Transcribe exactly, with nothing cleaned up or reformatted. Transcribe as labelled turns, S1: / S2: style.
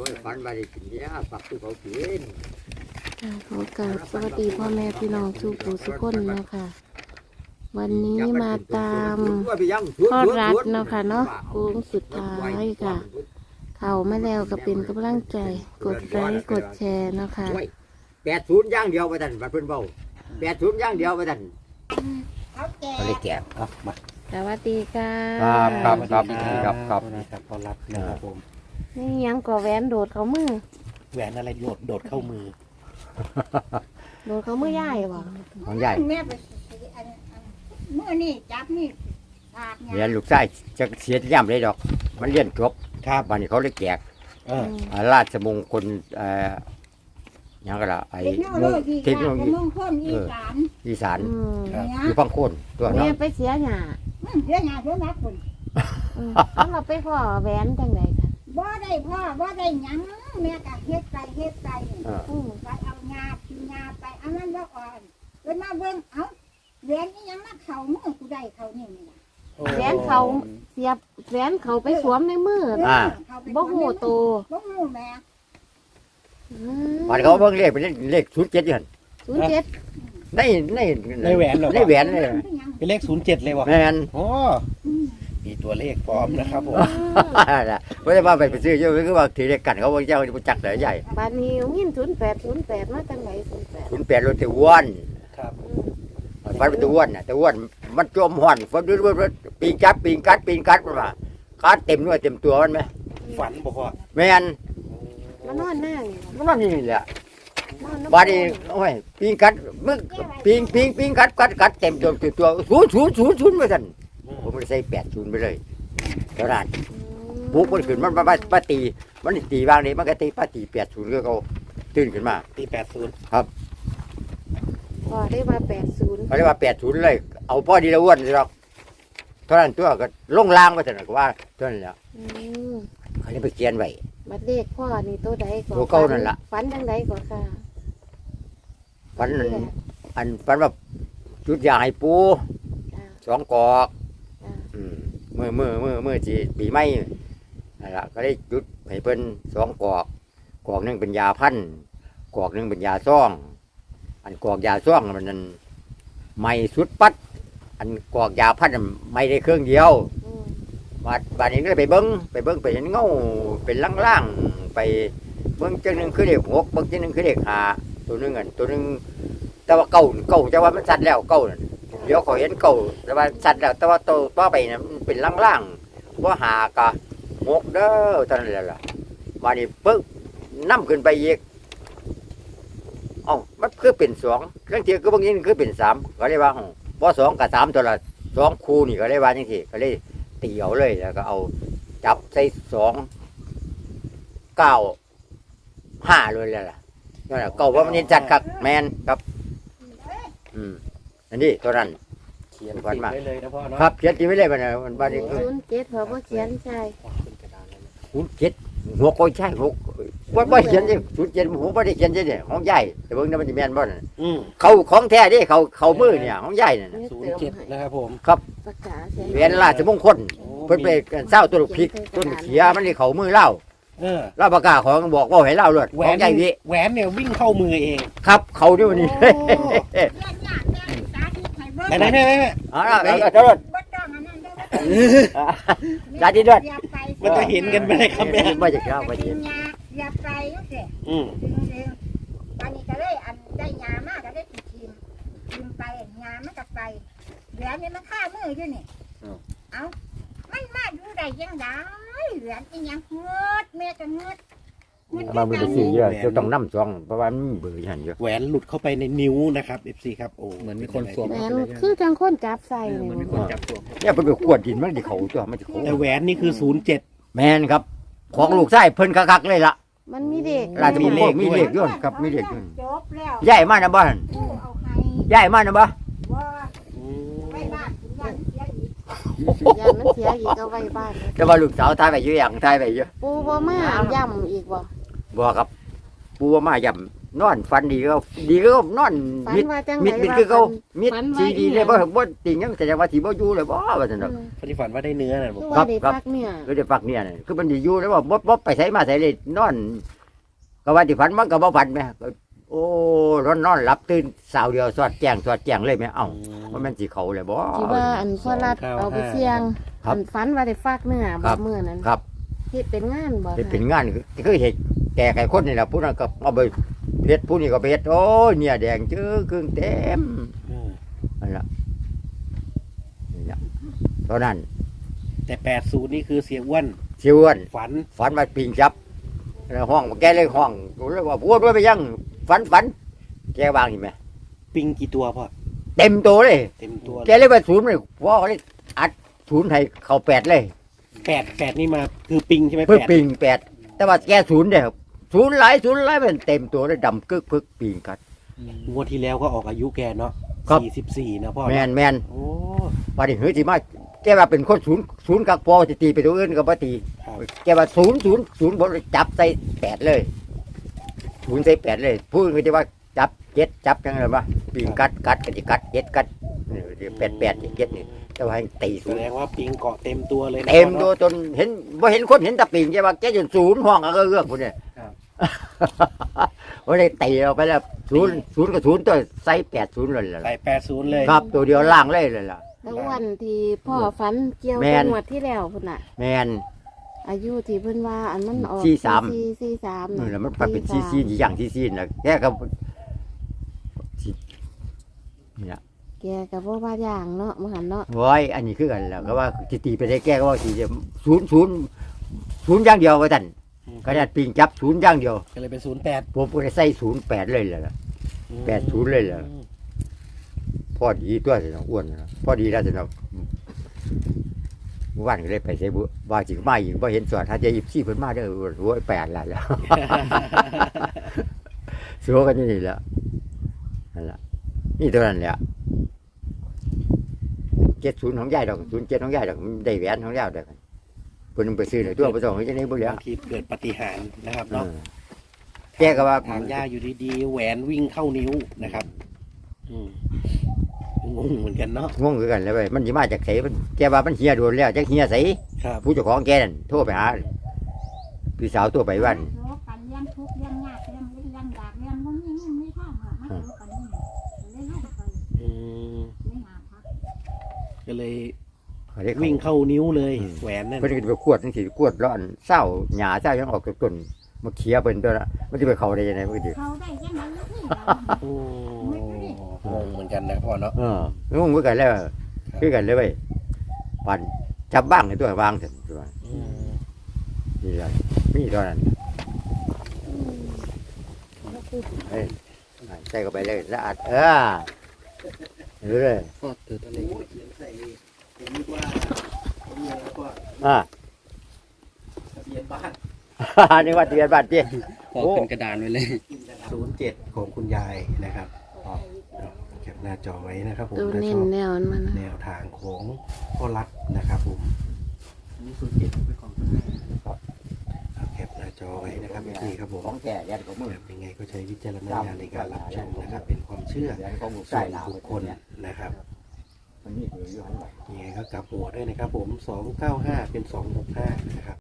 S1: อ้ยฝันว่าได้กินเนี่ยปักตู้เขากิน
S2: ขอกราบสวัสดีพ่อแม่พี่น้องทุกผู้ทุกคนนะคะวันนี้มาตามพ่อรัฐเนาะค่ะเนาะโค้งสุดท้ายค่ะ เข้ามาแล้วก็เป็นกำลังใจกดไลค์กดแชร์เนาะค่ะ
S1: แปดศูนย์ย่างเดียวไปทันบัดเพิ่นเบาแปดศูนย์ย่างเดียวไปทันเขาเลยแก่ครับมา
S2: สวัสดีค่ะ
S1: ครับครับครับครับครับ
S3: นะครับต้อนรับนะครับผม
S2: นี่ยังก่อแหวนโดดเขามือ
S3: แหวนอะไรโดดโดดเข้ามือ
S2: โดดเขามือย่ายบ่
S1: ของใหญ่
S4: แม่ไปซื้ออันอันเมื่อนี่จับนี่ปาก
S1: เรียนลูกชายจะเสียย่ำเลยดอก มันเรียนจบ
S3: ครับ
S1: วันนี้เขาเลยแจก
S3: เออ
S1: อ่าราชมงคลเอ่อหยังก็ละไอ้
S4: เทคโนโลยี
S1: เทคโนโลยี
S4: มงคลอีสาน
S1: อีสาน
S2: อืม
S4: เนี่ย
S1: อยู่พังโคนตัว
S2: แม่
S1: เนาะ
S2: ไปเสียหญ้า
S4: อืมเสียงานเสียนักคน
S2: อืมแล้วเราไปพ่อแหวนจังไดค่ะ
S4: บ่ได้พ่อบ่ได้หยังแม่ก็เฮ็ดไปเฮ็ดไป
S1: เออ
S2: อืม
S4: ไปเอางากินงาไปอันนั้นบ่อ่อนเพิ่นมาเบิ่งเอ้าแหวนนี่ยังมาเข้ามือกูได้เข้านี่นี่ล่ะ
S2: แหวนเขาเสียบแหวนเขาไปสวมในมือ
S1: อ่า
S4: เข้าไป
S2: บ่หูโต
S4: บ่หูแม่
S2: อืม
S1: วันเขาเบิ่งเลขเป็นเลขศูนย์เจ็ดอยู่หั่น
S2: ศูนย์เจ็ด
S1: ในใน
S3: ในแหวนเหรอ
S1: ในแหวนเลย
S4: คือหยัง
S3: เป็นเลขศูนย์เจ็ดเลยวะ
S1: แม่น
S3: โอ้
S4: อืม
S3: มีตัวเลขพร้อมนะครับผม
S1: ไม่ได้ว่าไปไปซื้อเยอะคือว่าถือเลขกันเขาว่าเจ้าจะจักเลยใหญ่
S2: บานนี้ยินศูนย์แปดศูนย์แปดมาจังไหนศูนย์แปด
S1: ศูนย์แปดรถตะอ้วน
S3: ครับ
S1: ฟันตะอ้วนน่ะตะอ้วนมันจมห่อนฟันด้วยปีนกัดปีนกัดปีนกัดมันมากัดเต็มด้วยเต็มตัวมันไหม
S3: ฝันบอกว่า
S1: แม่น
S2: มานอนหน้านี่
S1: มันนั่นนี่แหละ
S2: นอน
S1: บาดนี้โอ้ยปีนกัดมึงปีนปีนปีนกัดกัดกัดเต็มตัวตัวตัวศูนย์ศูนย์ศูนย์ศูนย์ไปสั่นผมไม่ได้ใส่แปดศูนย์ไปเลยเท่านั้นปุ๊บมันขึ้นมันมามาตีมันตีบางนี้มันก็ตีป้าตีแปดศูนย์ก็เขาตื่นขึ้นมา
S3: ตีแปดศูนย์
S2: พอได้ว่าแปดศูนย์
S1: เขาเรียกว่าแปดศูนย์เลยเอาพ่อดีละอ้วนสิหรอกเท่านั้นตัวก็ลงล่างไปสั่นก็ว่าเท่านั้นแหละ
S2: อืม
S1: เขาเลยไปเขียนไว้
S2: บัดเลขพ่อนี่ตัวใดก่อน
S1: ตัวเก่านั่นล่ะ
S2: ฝันจังใดก่อนค่ะ
S1: ฝันอันอันฝันว่าจุดยาให้ปู
S2: จ้า
S1: สองกอก
S2: จ้า
S1: อืมมือมือมือมือจีปีใหม่นั่นล่ะก็ได้จุดให้เพิ่นสองกอกกอกหนึงเป็นยาพันธุ์กอกหนึงเป็นยาซ่อง อันกอกยาซ่องมันนั่นไม่สุดปัด อันกอกยาพันธุ์นั้นไม่ได้เครื่องเดียว
S2: อืม
S1: บาดบาดนี้ก็เลยไปเบิ้งไปเบิ้งไปเห็นเงาเป็นล่างๆไปเบิ้งจังหนึงคือเด็กหกเบิ้งจังหนึงคือเด็กหาตัวหนึงอันตัวหนึงแต่ว่าเก่าเก่าแต่ว่ามันสัตว์แล้วเก่านั่นเดี๋ยวเขาเห็นเก่าแต่ว่าสัตว์แล้วแต่ว่าตัวต่อไปน่ะมันเป็นล่างๆว่าหากะหกเด้อตอนนั้นแหละล่ะบาดนี้ปึ๊บนํขึ้นไปอีกเอ้ามันคือเป็นสองเรื่องที่ก็บางอย่างคือเป็นสามก็เลยว่าบ่สองกับสามตัวละสองคู่นี่ก็เลยว่าจังซี่ก็เลย ตีเอาเลยแล้วก็เอาจับใส่สองเก้าห้าเลยแหละล่ะนั่นแหละเก้าว่ามันเห็นจัดครับแมนครับ อืมอันนี้ตัวนั้น
S3: เขียนติดไว้เลยนะพ่อเนาะ
S1: ครับเขียนตีไว้เลยมันน่ะมันบ้านนี้
S2: ศูนย์เจ็ดพอบ่เขียนใช่
S3: ขึ้นกระดานเลยนะ
S1: ศูนย์เจ็ดหัวโกยใช่หกว่าว่าเขียนดิศูนย์เจ็ดหัวไม่ได้เขียนใช่เนี่ยของใหญ่แต่เบิ่งนั้นมันจะแม่นบ่น่ะ
S3: อืม
S1: เขาของแท้ดิเขาเขามือเนี่ยของใหญ่น่ะ
S3: ศูนย์เจ็ดนะครับผม
S2: ประกาศใช่
S1: เวียนราชมงคลเพิ่นไปเศร้าตัวลูกพริกต้นเขียมันนี่เขามือเล่า
S3: เออ
S1: เล่าประกาศของบอกว่าให้เล่าเลย
S3: แหว
S1: ของ
S3: น
S1: ใหญ่วิ
S3: แหวนเนี่ยวิ่งเข้ามือเอง
S1: ครับเขาด้วยวันนี้
S4: เรื่องยากแม่สาธิตให้เบิ่ง
S3: ไหนไหนแม่แม่
S1: เอาละเอาละเจ้า
S4: บ่ต้องอันนั้นเด้อ
S1: สาธิตด้วย
S4: อย่าไป
S3: มันจะเห็นกันไหมครับแม่
S1: ไม่จะเข้าไปเห็น
S4: อย่าไปจังซี่
S3: อืม
S4: ตอนนี้ก็เลยอันได้ยามากก็ได้ทีทีมทีมไปยามันก็ไปเหลือนี่มันฆ่ามืออยู่นี่เอามันมาดูได้ยังไงเหลืออีหยังเงือดแม่ก็เงือด
S1: มามือไปซื้อเยอะจะต้องน้ำซองเพราะว่ามันเบื่อหันเยอะ
S3: แหวนหลุดเข้าไปในนิ้วนะครับ เอฟ ซี ครับโอ้เหมือนมีคนสวม
S2: แหวนคือจังคนจับใส่
S3: เหมือนมี
S2: นี่
S3: คนจับสวม
S1: เนี่ยเพิ่นไปขวดดินมันจะเขาตัวมันจะเขา
S3: แต่แหวนนี่คือศูนย์เจ็ด
S1: แมนครับ ของลูกไส้เพิ่นคักๆเลยล่ะ
S2: มันมีเด็ก
S1: ราชมงคลมีเลขด้วยครับมีเลขด้วย
S4: จบแล้ว
S1: ใหญ่มากนะบ้าน
S4: กูเอาให้
S1: ใหญ่มากนะบ้า
S4: ว่าไว้บ้านคุณยันเสียอีก
S2: ยามันเสียอีกเอาไว้บ้าน
S1: แต่ว่าลูกสาวทายไปเยอะอย่างทายไปเยอะ
S2: ปูบ่มาย่ำอีกบ่
S1: บ่ครับปูว่ามาย่นอนฝันดีก็ดีก็นอน
S2: ฝัน
S1: มิด
S2: ว่าจัง
S1: มิด
S2: ได
S1: มิด
S2: ว่า
S1: คือเขา
S2: ฝัน
S1: มิด
S2: ฝันว่า
S1: สีดี
S2: อีห
S1: เล
S2: ยั
S1: ย
S2: ง
S1: บ่บ่ติงยังแสดงว่าสิบ่อยู่เลยบ่ว่าซั่นดอก
S3: คนที่ฝันว่าได้เนื้อน่ะบอก
S2: คือว่าได้ฟักเนี่ย
S1: คือได้ฟักเนี่ยน่ะคือมันสิอยู่แล้วว่าบ่บ่ไปไสมาไสเลยนอน ก็ว่าที่ฝันมันก็บ่ฝันแม่ก็โอ้นอนนอนหลับตื่นสาวเดียวสอดแจ้งสอดแจ้งเลยแม่เอ้าว่าแม่นสิเขาเลยบ่
S2: ที่ว่าอันพ่อรัดเอาไปเสี่ยง
S1: ครับ
S2: อันฝันว่าได้ฟักเนื้อ
S1: ครั
S2: บ่
S1: บ
S2: มื้อนั้น
S1: ครับ
S2: เฮ็ดเป็นงานบ่
S1: เฮ็ด
S2: ค่ะ
S1: เป็นงานคือคือเฮ็ดแก่ไก่คนนี่ล่ะผู้นั้นก็เอาไปเฮ็ดผู้นี้ก็ไปเฮ็ดโอ้ยเนี่ยแดงจื้อครึ่งเต็ม
S3: อืม
S1: นั่นล่ะนี่ล่ะเท่านั้น
S3: แต่แปดศูนย์นี่คือเสียอ้วน
S1: สิอ้วน
S3: ฝัน
S1: ฝันว่าปิงจับแล้วห้องแกเลยห้องกูเลยว่าพูดด้วยไปยังฝันฝันแกวางเห็นไหม
S3: ปิงกี่ตัวพ่อ
S1: เต็มตัวเลย
S3: เต็มตัว
S1: แกเลยไปศูนย์เลยว่าเขาเลยอัดศูนย์ให้เข้าแปดเลย
S3: แปดแปดนี่มาคือปิงใช่ไหม
S1: เพื่อ
S3: แปด
S1: ปิงแปดแต่ว่าแกศูนย์เดียวศูนย์หลายศูนย์หลายเป็นเต็มตัวเลยดำกึกพึกปิงกัด
S3: งวดที่แล้วก็ออกอายุแกเนาะ
S1: ครับ
S3: สี่สิบสี่นะพ่อ
S1: แมนแมน
S3: โอ้
S1: ว่าดิเฮ้ยสิมาแกว่าเป็นคนศูนย์ศูนย์กักพอจะตีไปตัวอื่นก็บ่ตี
S3: ครับ
S1: แกว่าศูนย์ศูนย์ศูนย์บนจับใส่แปดเลยศูนย์ใส่แปดเลยพูดก็จะว่าจับเจ็ดจับยังไงวะปิงกัดกัดกันจะกัดเจ็ดกัดนี่แปดแปดเจ็ดนี่แต่ว่าให้ตี
S3: แส
S1: ศูนย์
S3: ดงว่าปิงเกาะเต็มตัวเลยนะ
S1: เต็ม
S3: พ่อ
S1: ตัว
S3: เนาะ
S1: จนเห็นว่าเห็นคนเห็นแตะปิงแกว่าแกจนศูนย์ห้องก็เอื้อกคนเนี่ย
S3: ครับ
S1: ว่าได้ตีเราไปแล้วศูนย์ศูนย์กับศูนย์ตัวใส่แปดศูนย์เลยล่ะ
S3: ใส่แปดศูนย์เลย
S1: ครับตัวเดียวล่างเลยเลยล่ะ
S2: แล้ววันที่พ่อฝันเกี่ยว
S1: แม่
S2: กับ
S1: น
S2: งวดที่แล้วพุ่นน่ะ
S1: แมน
S2: อายุที่เพิ่นว่าอันมันออก
S1: สี่สาม
S2: สี่สี่สาม
S1: นี่แหละมันไปเป็นซีซีนอย่างซีซีนนะแกก็นี่ละ
S2: แกก็บ่ว่าอย่างเนาะมื้อหันเนาะ
S1: โอ้ยอันนี้คือกันแล้วก็ว่าสิตีไปได้แกก็ว่าสิจะศูนย์ศูนย์ศูนย์อย่างเดียวว่าท่านขนาดปิงจับศูนย์อย่างเดียว
S3: ก็เลยเป็นศูนย์แปด
S1: ผมก็ได้ใส่ศูนย์แปดเลยแหละ แปดศูนย์เลยเหรอ พอดีตัวสิน้องอ้วนนะพอดีแล้วสิน้องเมื่อวานก็เลยไปใส่บุว่าจิมาอีกว่าเห็นสวนถ้าจะหยิบซี่เพิ่นมาเด้อโอ้ยแปดละแล้ว สัวกันอยู่นี่แหละนั่นล่ะนี่ตัวนั้นแหละเจ็ดศูนย์ของยายดอกศูนย์เจ็ดของยายดอกมันได้แหวนของยายดอกเพิ่นไปซื้อเลยตัวไปส่งให้เจ้านี่บ่เหลือบ
S3: างทีเกิดปาฏิหารย์นะครับ
S1: เอ
S3: เนาะ
S1: อแกก็ว่า
S3: ทางย่าอยู่ดีๆแหวนวิ่งเข้านิ้วนะครับ อืมงงเหมือนกันเนาะ
S1: งงคือกันเลยเว้ยมันสิมาจากไสมันแกว่ามันเฮียโดนแล้วจักเฮียไส
S3: ครับ
S1: ผู้เจ้าของแกนั่นโทรไปหาพี่สาวตัวไปวัน
S4: โลกันเลี้ยงทุกข์เลี้ยงยากเลี้ยงเลี้ยงดากเลี้ยงบ่มีเงินมีทางหรอกมาโลกันนี่เลยลงไป
S3: อืม
S4: ไม่หาพัก
S3: ก็เลย
S1: เขาได้
S3: วิ่งเข้านิ้วเลย
S1: อืม
S3: แหวนนั่น
S1: เพิ่นก็ไปขวดจังซี่ขวดร้อนเศร้าหญ้าเศร้ายังออกจากต้นมาเคียเพิ่นตัวละมันสิไปเข้าได้ยังไงมันก็สิ
S4: เขาได้ยังไงนี่เรา
S3: โอ้งงเหมือนกันนะพ่อเนาะ
S1: เอองงคือกันแล้วคือกันเลยเว้ยปันจับบ้างให้ตัววางเถอะตัว
S3: อืม
S1: นี่ล่ะมีเท่านั้นเฮ้ยใส่เข้าไปเลยสะอาดเออดูเลย
S3: พ่อเติร์ดอะไรเขียนใส่ผมนึกว่าผมมีอะไรก็
S1: อ่า
S3: ทะเบียนบ้าน
S1: นี่ว่าทะเบียนบ้านเจ้
S3: พอเป็นกระดานไว้เลยศูนย์เจ็ดของคุณยายนะครับแคปหน้าจอไว้นะครับผม
S2: ตัว
S3: ถ้า
S2: เน้
S3: ช
S2: น
S3: อบ
S2: แนวมันนะ
S3: แนวทางของพ่อรัฐนะครับผมนี่ศูนย์เจ็ดไปก่อนแคปหน้าจอไว้นะครับนี่ครับผม
S1: ของแก่ยันของมือ
S3: ยังไงก็ใช้วิจารณญาณในการรับชมนะครับ เป็นความเชื่อ
S1: ยันของมือ
S3: ส่
S1: ใส่
S3: วน
S1: ลาว
S3: บุคคลนะครับ
S1: มันนี่คืออยู่ข้างหลัง
S3: ยังไงก็กลับหัวด้วยนะครับผมสองเก้าห้าเป็นสองหกห้านะครับ